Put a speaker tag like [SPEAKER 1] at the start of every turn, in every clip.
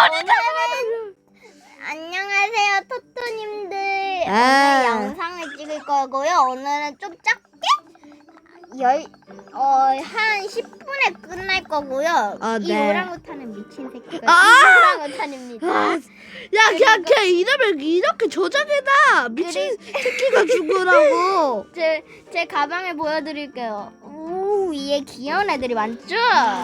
[SPEAKER 1] 오늘은 안녕하세요 토토님들. 오늘 영상을 찍을 거고요. 오늘은 좀 작게 한 10분에 끝날 거고요. 이
[SPEAKER 2] 네.
[SPEAKER 1] 오랑우탄은 미친 새끼가 이 오랑우탄입니다.
[SPEAKER 2] 야, 그냥 걔 이름을 이렇게 조작해놔. 미친 새끼가 죽으라고.
[SPEAKER 1] 제 가방을 보여드릴게요. 오, 위에 귀여운 애들이 많죠?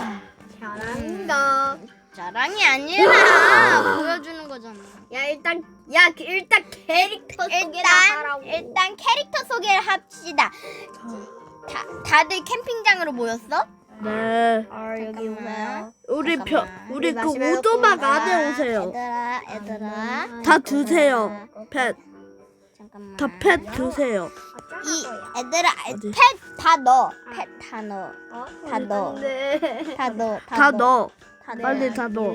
[SPEAKER 3] 잘한다.
[SPEAKER 1] 자랑이 아니라 보여주는 거잖아.
[SPEAKER 3] 일단 캐릭터 소개나 하라고.
[SPEAKER 1] 일단 캐릭터 소개를 합시다. 다들 캠핑장으로 모였어?
[SPEAKER 2] 네.
[SPEAKER 1] 여기 오세요.
[SPEAKER 2] 우리 그
[SPEAKER 3] 마시멜로
[SPEAKER 2] 오두막
[SPEAKER 3] 코la.
[SPEAKER 2] 안에 오세요.
[SPEAKER 1] 얘들아.
[SPEAKER 2] 다 드세요. 펫.
[SPEAKER 1] 잠깐만.
[SPEAKER 2] 다 펫 드세요.
[SPEAKER 1] 이 애들아,
[SPEAKER 2] 어디?
[SPEAKER 1] 펫 다 넣어. 펫 다 넣어. 다 넣어. 다 넣어.
[SPEAKER 2] 다 넣어.
[SPEAKER 1] 다 넣어.
[SPEAKER 2] 빨리 다 넣어.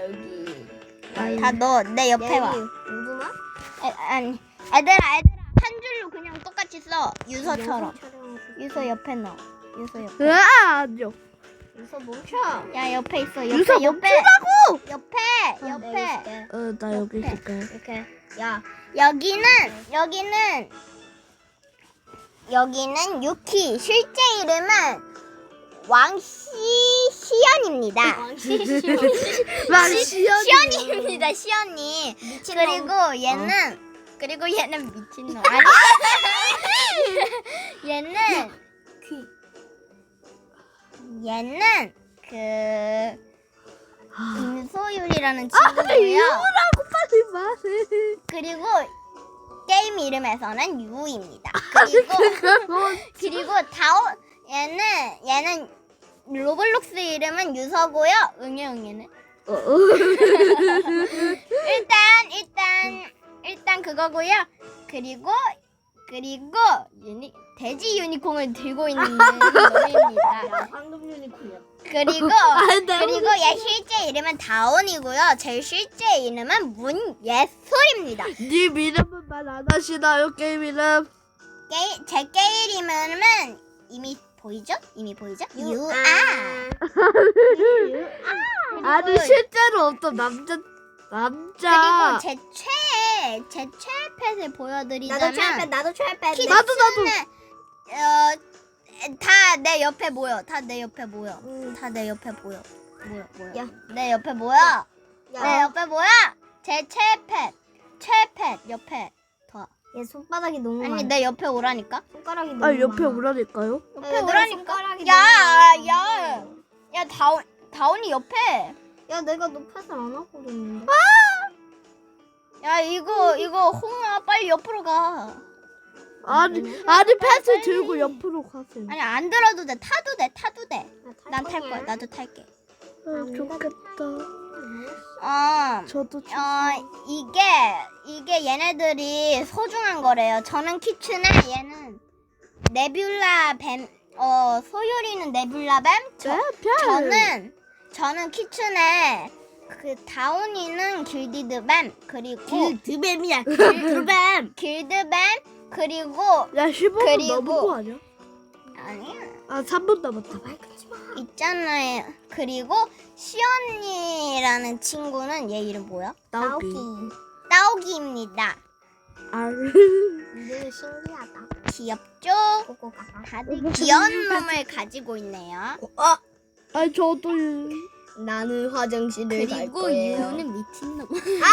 [SPEAKER 1] 다 넣어. 내 옆에 와.
[SPEAKER 3] 우두막?
[SPEAKER 1] 아니, 애들아, 한 줄로 그냥 똑같이 써. 유서처럼. 유서 옆에 넣어. 유서 옆에.
[SPEAKER 2] 아니요.
[SPEAKER 3] 유서 멈춰.
[SPEAKER 1] 야, 옆에 있어.
[SPEAKER 2] 유서
[SPEAKER 1] 옆에.
[SPEAKER 2] 멈추라고.
[SPEAKER 1] 옆에.
[SPEAKER 2] 나 여기 있을게.
[SPEAKER 3] 이렇게. 야.
[SPEAKER 1] 여기는 유키. 실제 이름은 왕시연입니다. 시연입니다. 시연이. 그리고 얘는 미친놈. 아니. 얘는 그 임소율이라는 친구고요.
[SPEAKER 2] 이거라고 빨리 말해.
[SPEAKER 1] 그리고 게임 이름에서는 유입니다. 그리고 얘는 로블록스 이름은 유서고요. 응애는 일단 그거고요. 그리고 돼지 유니콘을 들고 있는 놈입니다.
[SPEAKER 3] 황금 유니콘이야.
[SPEAKER 1] 그리고 얘 실제 이름은 다온이고요. 제 실제 이름은 문예솔입니다.
[SPEAKER 2] 님 이름은 말 안 하시나요? 게임 이름?
[SPEAKER 1] 제 게임 이름은 이미 보이죠? 유아.
[SPEAKER 2] 아니 실제로 어떤 남자.
[SPEAKER 1] 그리고 제 최애 펫을 보여드리자면
[SPEAKER 3] 나도 최애패.
[SPEAKER 2] 나도.
[SPEAKER 1] 다 내 옆에 모여.
[SPEAKER 3] 야.
[SPEAKER 1] 내 옆에 모여. 제 최애 펫 옆에 더.
[SPEAKER 3] 얘 손바닥이 너무
[SPEAKER 1] 아니
[SPEAKER 3] 많아.
[SPEAKER 1] 내 옆에 오라니까.
[SPEAKER 3] 손가락이 너무
[SPEAKER 2] 옆에
[SPEAKER 3] 많아.
[SPEAKER 2] 오라니까요?
[SPEAKER 1] 옆에 오라니까.
[SPEAKER 3] 손가락이
[SPEAKER 1] 야 다온이 옆에.
[SPEAKER 3] 야 내가 너 펫을 안 하고 있는데.
[SPEAKER 1] 야 이거 홍아 빨리 옆으로 가.
[SPEAKER 2] 아니 펫을 들고 옆으로 가세요.
[SPEAKER 1] 아니 안 들어도 돼. 타도 돼. 난 탈 거야. 나도 탈게.
[SPEAKER 2] 좋겠다. 저도
[SPEAKER 1] 이게 얘네들이 소중한 거래요. 저는 키츠네, 얘는 네뷸라 뱀. 소율이는 네뷸라 뱀. 저는 키츠네. 그 다운이는 길디드 뱀. 그리고
[SPEAKER 3] 길드뱀이야.
[SPEAKER 1] 길드뱀. 그리고
[SPEAKER 2] 야 15분
[SPEAKER 1] 그리고-
[SPEAKER 2] 넘은 거 아니야?
[SPEAKER 1] 아니야.
[SPEAKER 2] 3분 남았다.
[SPEAKER 1] 있잖아요. 그리고 시연이라는 친구는 얘 이름 뭐야? 따오기입니다.
[SPEAKER 3] 이게 신기하다.
[SPEAKER 1] 귀엽죠?
[SPEAKER 3] 꼬꼬 가가.
[SPEAKER 1] 다들 귀여운 놈을 가지고 있네요.
[SPEAKER 2] 아니 저도
[SPEAKER 3] 나는 화장실을 갈
[SPEAKER 1] 그리고
[SPEAKER 3] 거예요.
[SPEAKER 1] 유는 미친놈.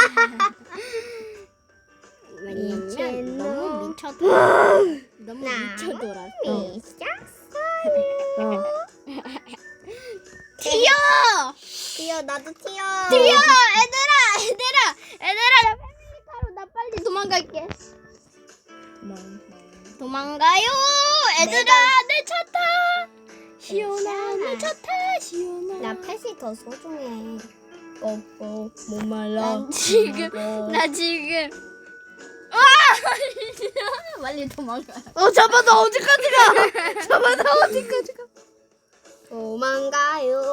[SPEAKER 3] 미친놈.
[SPEAKER 1] 너무 미쳐돌아. 너무 미쳐돌아. 튀어!
[SPEAKER 3] 튀어 나도 튀어.
[SPEAKER 1] 얘들아 나 패밀리카로 나 빨리 도망갈게. 도망가요. 얘들아 내 차 타. 시원아 내 차 타. 시원아.
[SPEAKER 3] 나 펫이 더 소중해. 꼬꼬 못 말라.
[SPEAKER 1] 나 지금 빨리 도망가.
[SPEAKER 2] 잠깐 나 어디까지 가?
[SPEAKER 3] 도망가요.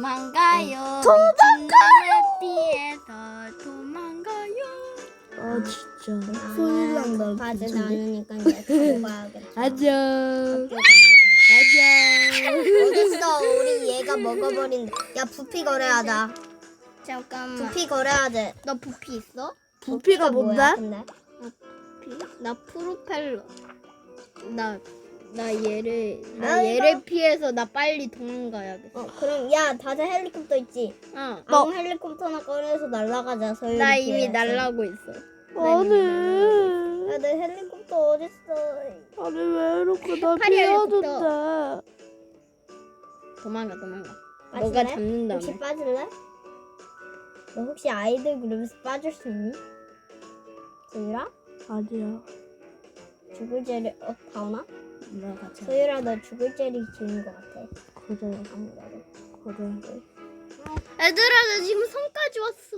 [SPEAKER 1] 피해서 도망가요.
[SPEAKER 2] 진짜
[SPEAKER 3] 소리 난다. 가지 않으니까 이제 가야겠다.
[SPEAKER 2] 안녕.
[SPEAKER 3] 가자. 어딨어? 우리 얘가 먹어버린다. 야 부피 거래하자.
[SPEAKER 1] 잠깐만.
[SPEAKER 3] 부피 걸어야 돼.
[SPEAKER 1] 너 부피 있어?
[SPEAKER 2] 부피가 뭔데?
[SPEAKER 3] 뭐야, 근데?
[SPEAKER 1] 나 프로펠러. 나 얘를
[SPEAKER 3] 아,
[SPEAKER 1] 얘를 피해서 나 빨리 도망가야겠어.
[SPEAKER 3] 그럼 야 다들 헬리콥터 있지?
[SPEAKER 1] 어.
[SPEAKER 3] 아무 헬리콥터나 꺼내서 날아가자. 소율이
[SPEAKER 1] 나 이미
[SPEAKER 3] 피해서.
[SPEAKER 1] 날라고 있어.
[SPEAKER 2] 아니.
[SPEAKER 3] 야, 내 헬리콥터 어딨어?
[SPEAKER 2] 아니 왜 이렇게 나
[SPEAKER 1] 파리 헬리콥터.
[SPEAKER 2] 피하는데?
[SPEAKER 1] 도망가.
[SPEAKER 3] 빠질래?
[SPEAKER 1] 너가 잡는다며.
[SPEAKER 3] 혹시 빠질래? 너 혹시 아이들 그룹에서 빠질 수 있니? 소율아?
[SPEAKER 2] 아니야.
[SPEAKER 3] 죽을 죄를 다오나?
[SPEAKER 1] 너 같이.
[SPEAKER 3] 소율아 너 죽을 죄를 지은 것 같아.
[SPEAKER 2] 그래.
[SPEAKER 3] 아무래도.
[SPEAKER 2] 그래.
[SPEAKER 1] 얘들아, 나 지금 성까지 왔어.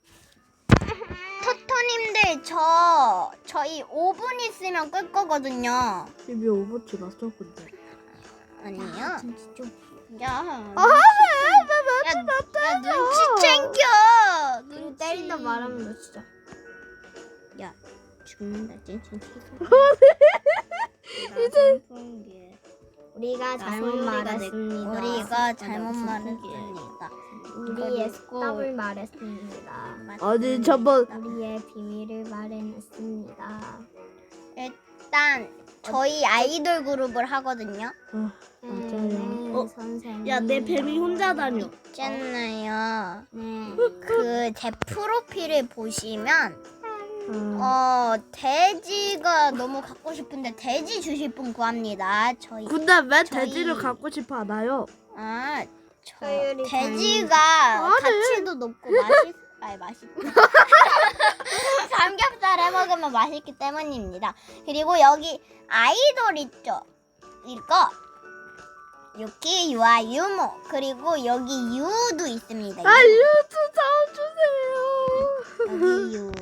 [SPEAKER 1] 토토님들 저희 5분 있으면 끌 거거든요.
[SPEAKER 2] 이미 5분 지났어 근데.
[SPEAKER 1] 아니요.
[SPEAKER 3] 진짜 좀.
[SPEAKER 1] 야.
[SPEAKER 2] 아
[SPEAKER 1] 야, 눈치 챙겨.
[SPEAKER 3] 눈 때린다 말하면 너 진짜.
[SPEAKER 1] 야, 죽는다. 찐찐
[SPEAKER 2] 이제
[SPEAKER 3] 우리가 잘못 말했습니다.
[SPEAKER 1] 우리가 잘못 말했습니다.
[SPEAKER 3] 우리의
[SPEAKER 1] 그리고-
[SPEAKER 3] 속담을 말했습니다.
[SPEAKER 2] 아니 잠깐.
[SPEAKER 3] 우리의 비밀을 말해냈습니다.
[SPEAKER 1] 일단 저희 아이돌 그룹을 하거든요.
[SPEAKER 2] 맞아요.
[SPEAKER 3] 선생님.
[SPEAKER 2] 야 내 뱀이 혼자 다녀.
[SPEAKER 1] 있잖아요.
[SPEAKER 3] 네.
[SPEAKER 1] 그 제 프로필을 보시면 돼지가 너무 갖고 싶은데 돼지 주실 분 구합니다. 저희
[SPEAKER 2] 근데 왜
[SPEAKER 1] 저희-
[SPEAKER 2] 돼지를 갖고 싶어 하나요?
[SPEAKER 3] 서율이
[SPEAKER 1] 돼지가
[SPEAKER 2] 아니.
[SPEAKER 1] 가치도 높고 맛있다. 삼겹살 해 먹으면 맛있기 때문입니다. 그리고 여기 아이돌 있죠? 이거 유키, 유아, 유모 그리고 여기 유도 있습니다.
[SPEAKER 2] 아
[SPEAKER 1] 유.
[SPEAKER 2] 유튜 사업 주세요.
[SPEAKER 1] 여기 유.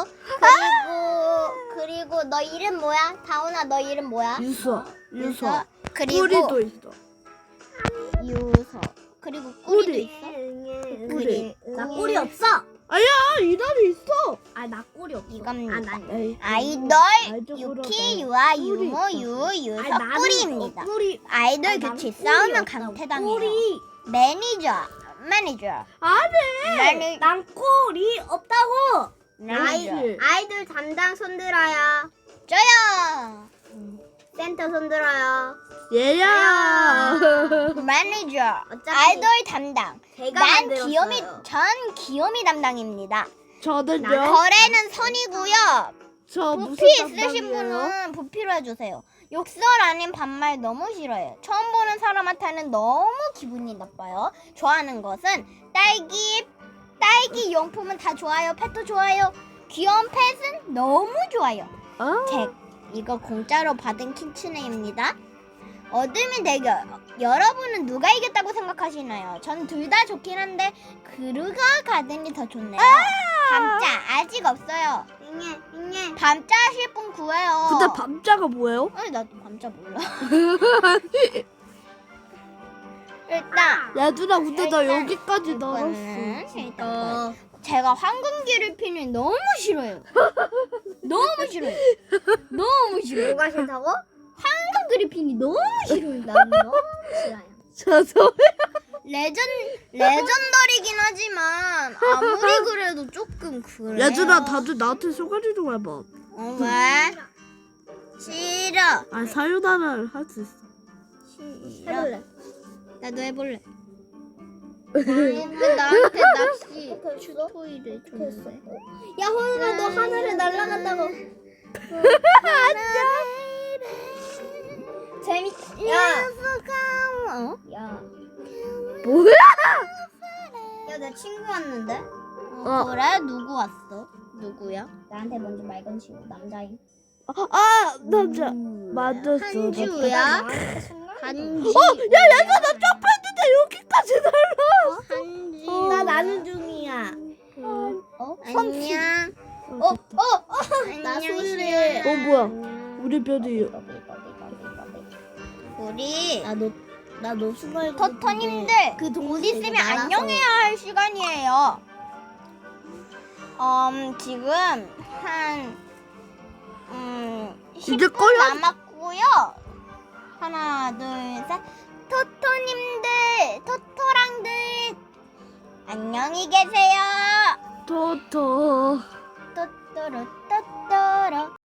[SPEAKER 1] 그리고 너 이름 뭐야? 다운아 너 이름 뭐야?
[SPEAKER 2] 유서. 유서.
[SPEAKER 1] 그리고
[SPEAKER 2] 뿌리도 있어.
[SPEAKER 1] 유서. 그리고 꾸리도
[SPEAKER 2] 꾸리.
[SPEAKER 1] 있어?
[SPEAKER 2] 뿌리.
[SPEAKER 3] 나 꼬리 없어.
[SPEAKER 2] 아야 이달이 있어.
[SPEAKER 3] 아 나 꼬리 없어.
[SPEAKER 1] 이겁니다.
[SPEAKER 2] 에이,
[SPEAKER 1] 아이돌
[SPEAKER 2] 알죠,
[SPEAKER 1] 유키,
[SPEAKER 2] 그러네.
[SPEAKER 1] 유아,
[SPEAKER 2] 뿌리
[SPEAKER 1] 유모,
[SPEAKER 2] 있어.
[SPEAKER 1] 유서, 뿌리입니다.
[SPEAKER 3] 꼬리.
[SPEAKER 1] 아이돌 교체 싸우면 강퇴당해요. 매니저.
[SPEAKER 3] 아니. 난 꼬리 없다고.
[SPEAKER 1] 매니저.
[SPEAKER 3] 아이돌 담당 손들어요.
[SPEAKER 1] 저요.
[SPEAKER 3] 센터 손들어요.
[SPEAKER 2] 얘야.
[SPEAKER 1] 매니저.
[SPEAKER 3] 어차피
[SPEAKER 1] 아이돌 담당.
[SPEAKER 3] 제가
[SPEAKER 1] 난
[SPEAKER 3] 만들었어요.
[SPEAKER 1] 전 귀요미 담당입니다.
[SPEAKER 2] 저는요.
[SPEAKER 1] 거래는 선이고요.
[SPEAKER 2] 저 무슨
[SPEAKER 1] 부피 있으신
[SPEAKER 2] 담당이에요?
[SPEAKER 1] 분은 부피로 해주세요. 욕설 아닌 반말 너무 싫어요. 처음 보는 사람한테는 너무 기분이 나빠요. 좋아하는 것은 딸기 용품은 다 좋아요. 펫도 좋아요. 귀여운 펫은 너무 좋아요.
[SPEAKER 2] 아,
[SPEAKER 1] 이거 공짜로 받은 키츠네입니다. 어둠의 대결. 여러분은 누가 이겼다고 생각하시나요? 전 둘 다 좋긴 한데 그루가 가든이 더 좋네요. 밤자 아직 없어요.
[SPEAKER 3] 잉해.
[SPEAKER 1] 밤자 하실 분 구해요.
[SPEAKER 2] 근데 밤자가 뭐예요?
[SPEAKER 1] 아니 나도 밤자 몰라. 일단
[SPEAKER 2] 얘들아 근데 나
[SPEAKER 1] 일단
[SPEAKER 2] 여기까지
[SPEAKER 1] 이거는
[SPEAKER 2] 날았어.
[SPEAKER 1] 일단 제가 황금기를 피는 너무 싫어요. 너무 싫어요. 너무 싫어요.
[SPEAKER 3] 뭐가 싫다고?
[SPEAKER 1] 황금 그리핀이 너무 싫어요.
[SPEAKER 3] 난 너무 싫어요.
[SPEAKER 2] 저서
[SPEAKER 1] 레전더리긴 하지만 아무리 그래도 조금 그래요.
[SPEAKER 2] 얘들아 다들 나한테 소개를 좀 해봐.
[SPEAKER 1] 왜? 싫어.
[SPEAKER 2] 아 사유나를 할 수 있어.
[SPEAKER 3] 해볼래.
[SPEAKER 1] 나도 해볼래. 왜 나한테 낚시 토이를 줬는데?
[SPEAKER 3] 야 호연아 너 하늘에 날아간다고. 야.
[SPEAKER 1] 어?
[SPEAKER 3] 야.
[SPEAKER 2] 뭐야?
[SPEAKER 3] 야 내 친구 왔는데?
[SPEAKER 1] 그래? 누구 왔어? 누구야?
[SPEAKER 3] 나한테 먼저 말 건 친구 남자인.
[SPEAKER 2] 아 남자 맞았어.
[SPEAKER 1] 한주야? 한지.
[SPEAKER 2] 야 얘들아 나 점프했는데 여기까지 날라.
[SPEAKER 1] 한지.
[SPEAKER 3] 나 나는 중이야.
[SPEAKER 1] 안녕.
[SPEAKER 3] 나
[SPEAKER 1] 안녕,
[SPEAKER 3] 소율이.
[SPEAKER 1] 시연아.
[SPEAKER 2] 뭐야? 우리 별이
[SPEAKER 1] 우리
[SPEAKER 3] 나 노수걸
[SPEAKER 1] 토토님들 곧 있으면 안녕해야 할 시간이에요. 지금 한
[SPEAKER 2] 이제
[SPEAKER 1] 10분
[SPEAKER 2] 꺼야
[SPEAKER 1] 남았고요. 하나, 둘, 셋. 토토님들, 토토랑들 안녕히 계세요.
[SPEAKER 2] 토토.
[SPEAKER 1] 또또로